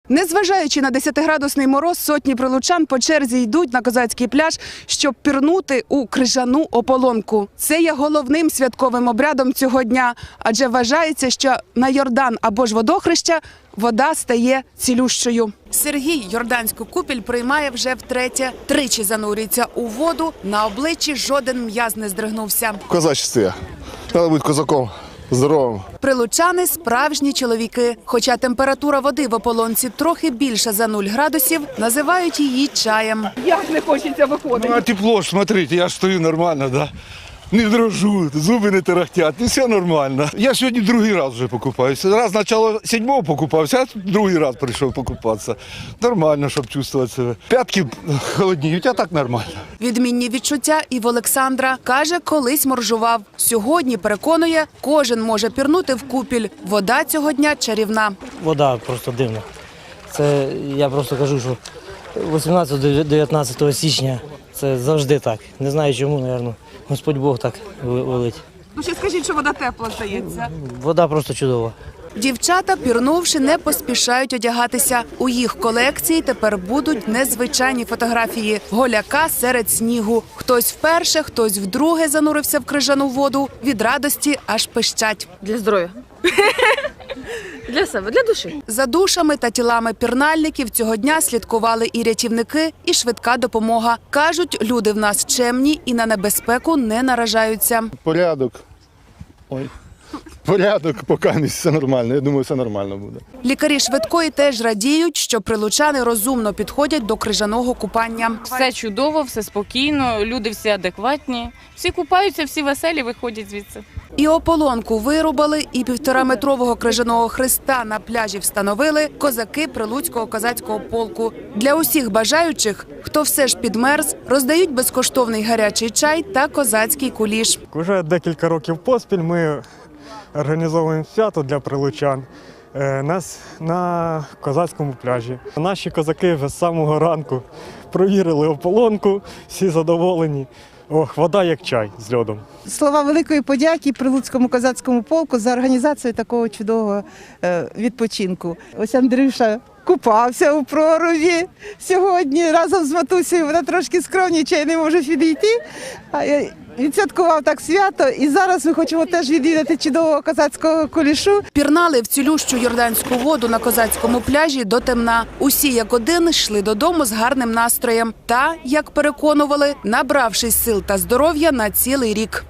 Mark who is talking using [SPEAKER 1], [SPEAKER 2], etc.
[SPEAKER 1] Незважаючи на 10-градусний мороз, сотні прилучан по черзі йдуть на козацький пляж, щоб пірнути у крижану ополонку. Це є головним святковим обрядом цього дня, адже вважається, що на Йордан або ж водохреща вода стає цілющою. Сергій Йорданську купіль приймає вже втретє. Тричі занурюється у воду, на обличчі жоден м'яз не здригнувся.
[SPEAKER 2] Козачство я. Треба бути козаком, здоровим.
[SPEAKER 1] Прилучани – справжні чоловіки. Хоча температура води в ополонці трохи більша за 0 градусів, називають її чаєм. Як не хочеться виходити?
[SPEAKER 3] Ну, а тепло ж, смотрите, я ж стою нормально, да? Не дрожу, зуби не тарахтять, все нормально. Я сьогодні другий раз вже покупаюся. Раз спочатку 7-го покупався, а другий раз прийшов покупатися. Нормально, щоб чувствувати себе. П'ятки холодніють, а так нормально.
[SPEAKER 1] Відмінні відчуття і в Олександра. Каже, колись моржував. Сьогодні, переконує, кожен може пірнути в купіль. Вода цього дня чарівна.
[SPEAKER 4] Вода просто дивна. Це я просто кажу, що 18-19 січня це завжди так. Не знаю чому, мабуть, Господь Бог так велить.
[SPEAKER 1] Ну ще скажіть, що вода тепла, здається.
[SPEAKER 4] Вода просто чудова.
[SPEAKER 1] Дівчата, пірнувши, не поспішають одягатися. У їх колекції тепер будуть незвичайні фотографії. Голяка серед снігу. Хтось вперше, хтось вдруге занурився в крижану воду. Від радості аж пищать.
[SPEAKER 5] Для здоров'я. Для себе, для душі.
[SPEAKER 1] За душами та тілами пірнальників цього дня слідкували і рятівники, і швидка допомога. Кажуть, люди в нас чемні і на небезпеку не наражаються.
[SPEAKER 2] Порядок. Порядок, поки все нормально. Я думаю, все нормально буде.
[SPEAKER 1] Лікарі швидкої теж радіють, що прилучани розумно підходять до крижаного купання.
[SPEAKER 6] Все чудово, все спокійно, люди всі адекватні, всі купаються, всі веселі, виходять звідси.
[SPEAKER 1] І ополонку вирубали, і 1,5-метрового крижаного хреста на пляжі встановили козаки Прилуцького козацького полку. Для усіх бажаючих, хто все ж підмерз, роздають безкоштовний гарячий чай та козацький куліш.
[SPEAKER 7] Уже декілька років поспіль ми організовуємо свято для прилучан на козацькому пляжі. Наші козаки вже з самого ранку провірили ополонку, всі задоволені. Вода як чай з льодом.
[SPEAKER 8] Слова великої подяки Прилуцькому козацькому полку за організацію такого чудового відпочинку. Ось Андрюша купався у проруді сьогодні разом з матусею. Вона трошки скромнічає, не може підійти. Відсвяткував так свято, і зараз ми хочемо теж відвідати чудового козацького кулішу.
[SPEAKER 1] Пірнали в цілющу йорданську воду на козацькому пляжі до темна. Усі як один йшли додому з гарним настроєм та, як переконували, набравшись сил та здоров'я на цілий рік.